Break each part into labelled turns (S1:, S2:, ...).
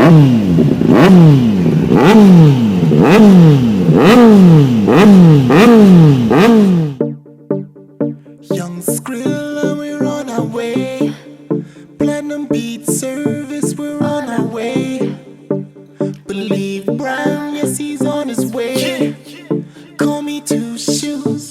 S1: Young Skrilla, we're on our way. Platinum beat service, we're on our way. Believe Brown, yes, he's on his way. Call me two shoes.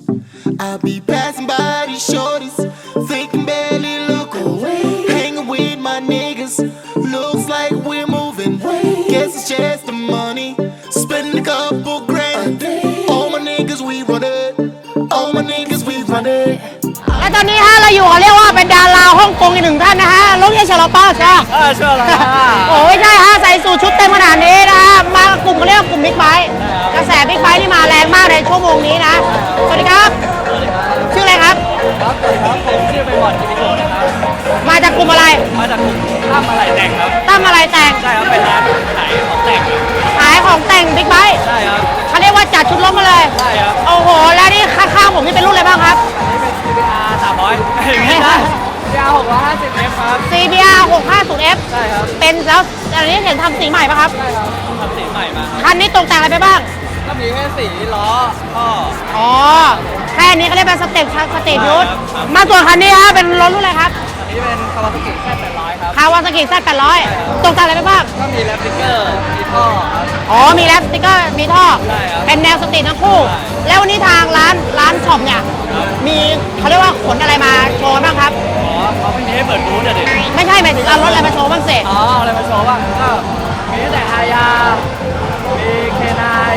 S1: I'll be passing by these shorties. They can barely look away. Hanging with my niggas. Looks like we're moving. Guess it's just the money. Spending a couple grand. All my niggas, we run it. All my niggas, we run it.
S2: และตอนนี้ฮะเราอยู่เขาเรียกว่าเป็นดาราฮ่องกงอีกหนึ่งท่านนะฮะลุงเยชลป้าใช่
S3: เชื่อแล้ว
S2: โอ้ยใช่ฮะใส่สูทชุดเต็มขนาดนี้นะฮะมากลุ่มเขาเรียกว่ากลุ่มบิ๊กไบค์กระแสบิ๊กไบค์นี่มาแรงมากในชั่วโมงนี้นะสวัสดีครับชื่ออะไรครับ
S3: ครับสวัสดีครับผมชื่อไปบอดกิติโกนะครับ
S2: มาจากกลุ่มอะไร
S3: มาจากกลุ่มตั้มอะไรแต่งครับ
S2: ตั้มอะไรแต่ง
S3: ใช่ครับเป็นร้านขายของแต่ง
S2: ขายของแต่งบิ๊กไบค์
S3: ใช่ครับ
S2: เขาเรียกว่าจัดชุดรถมาเลย
S3: ใช่ครับ
S2: โอ้โหแล้วนี่ข้างๆผมนี่เป็นรุ่นอะไรบ้างครับ
S3: อันนี้เป็น CBR 300ไม่ใช่ CBR 650F ครับ
S2: CBR 650F
S3: ใช่ครับ
S2: เป็นแล้วอันนี้เห็นทำสีใหม่ป่ะครับ
S3: ใช่ครับทำสีใหม่มา
S2: คันนี้ตกแต่งอะไรไปบ้าง
S3: ก็มีแค่สีล้อท่อ
S2: อ๋อแค่นี้ก็เรียกเป็นสเต็ปยุทธมาส่วนคันนี้ฮะเป็นรถรุ่นอะไรครับ
S3: อันนี้เป็นคาวาซากิ Z800 ครับ
S2: คาวาซากิ Z800ตกแต่งอะไรไปบ้าง
S3: ก็มีแรปสติ๊กเกอร์มีท่อครับ
S2: อ๋อมีแรปสติ๊กเกอร์มีท่อ
S3: ใช่ครับ
S2: เป็นแนวสตรีททั้งคู่แล้ววันนี้ทางร้านช็อปเนี่ยมีเขาเรียกว่าขนอะไรมาโชว์บ้างครับ
S3: อ๋อเขาไม่มีให้เปิดบูธเด็ด
S2: ไม่ใช่หมายถึงเอารถอะไรมาโชว์บ้างสิ
S3: อ๋ออะไรมาโชว์บ้างก็มีตั้งแต่ฮายามีเคนาย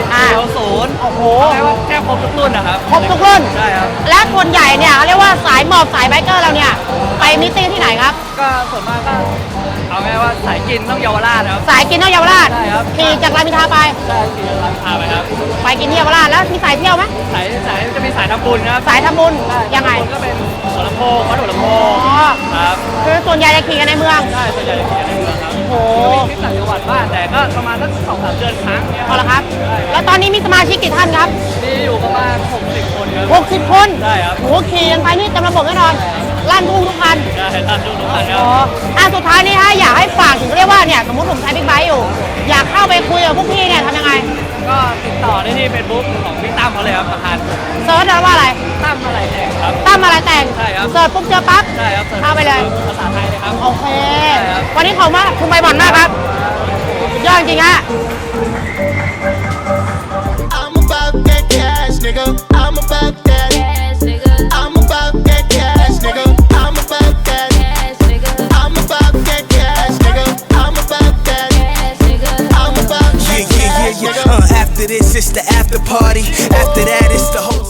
S3: 0
S2: โอ้โห
S3: แปลว่าแค่ครบทุกรุ่นนะครับ
S2: ครบทุกรุ่น
S3: ใช่ครับ
S2: และคนใหญ่เนี่ยเรียกว่าสายหมอบสายไบเกอร์เราเนี่ยไปมิตติ้งที่ไหนครับ
S3: ก็ส่วนมากก็เอาไงว่าสายกินต้องเยาวราชครับ
S2: สายกินต้องเยาวราช
S3: ใช่ครับ
S2: ขี่จากรามอินทราไป
S3: ใช่ขี่จากรามอินทราไปครับ
S2: ไปกินที่เยาวราชแล้วมีสายเที่ยวไหม
S3: สายจะมีสายทำบุญครับ
S2: สายทำบุญยังไง
S3: ก็เป็นหัวลำโพงวัดหัวลำโพงครับ
S2: คือส่วนใหญ่จะขี่กันในเมือง
S3: ใช่ส่วนใหญ่จะขี่กันในเมืองครับ
S2: โอ้
S3: มีคลิปต่างจังหวัดบ้างแต่ก็ประมาณสัก2-3 เดือนครั้งเนี่ย
S2: พอแล้วครับแล้วตอนนี้มีสมาชิกกี่ท่านครับ
S3: มีอยู่ประมาณ60 คนครับ
S2: 60 คน
S3: ใช่ครับ
S2: โอ้ขี่กันไปนี่เต็มระบบแน่นอนลั่นทุ่งทุกคัน
S3: ใช่ลั่นทุ่งทุกคันครับ
S2: สุดท้ายนี่ฮะอยากให้ฝากถึงเรียกว่าเนี่ยสมมติผมใช้บิ๊กไบค์อยู่อยากเข้าไปคุยกับพวกพี่เนี่ยทำยังไง
S3: ก็ติดต่อได้ที่เฟซบุ๊กของพี่ตั้มเขาเลยครับประธาน
S2: เซิร์ชว่าอะไร
S3: ตั้มอะไรแต่งครับ
S2: ตั้มอะไรแต่ง
S3: ใช่ครับ
S2: เซิร์ชปุ๊บเจอปั๊บ
S3: ใช่ครับ
S2: เข้าไปเลย
S3: ภาษาไทยเลยครับ
S2: โอเควันนี้ขอบคุณมากคุณใบบอลมากครับยอดจริงฮะ
S1: I'm about that cash, nigga. I'm about that. I'm about that cash, nigga. I'm about that. I'm about that cash, nigga. I'm about that. I'm about that cash, nigga.
S4: After this, it's the after party. After that, it's the whole.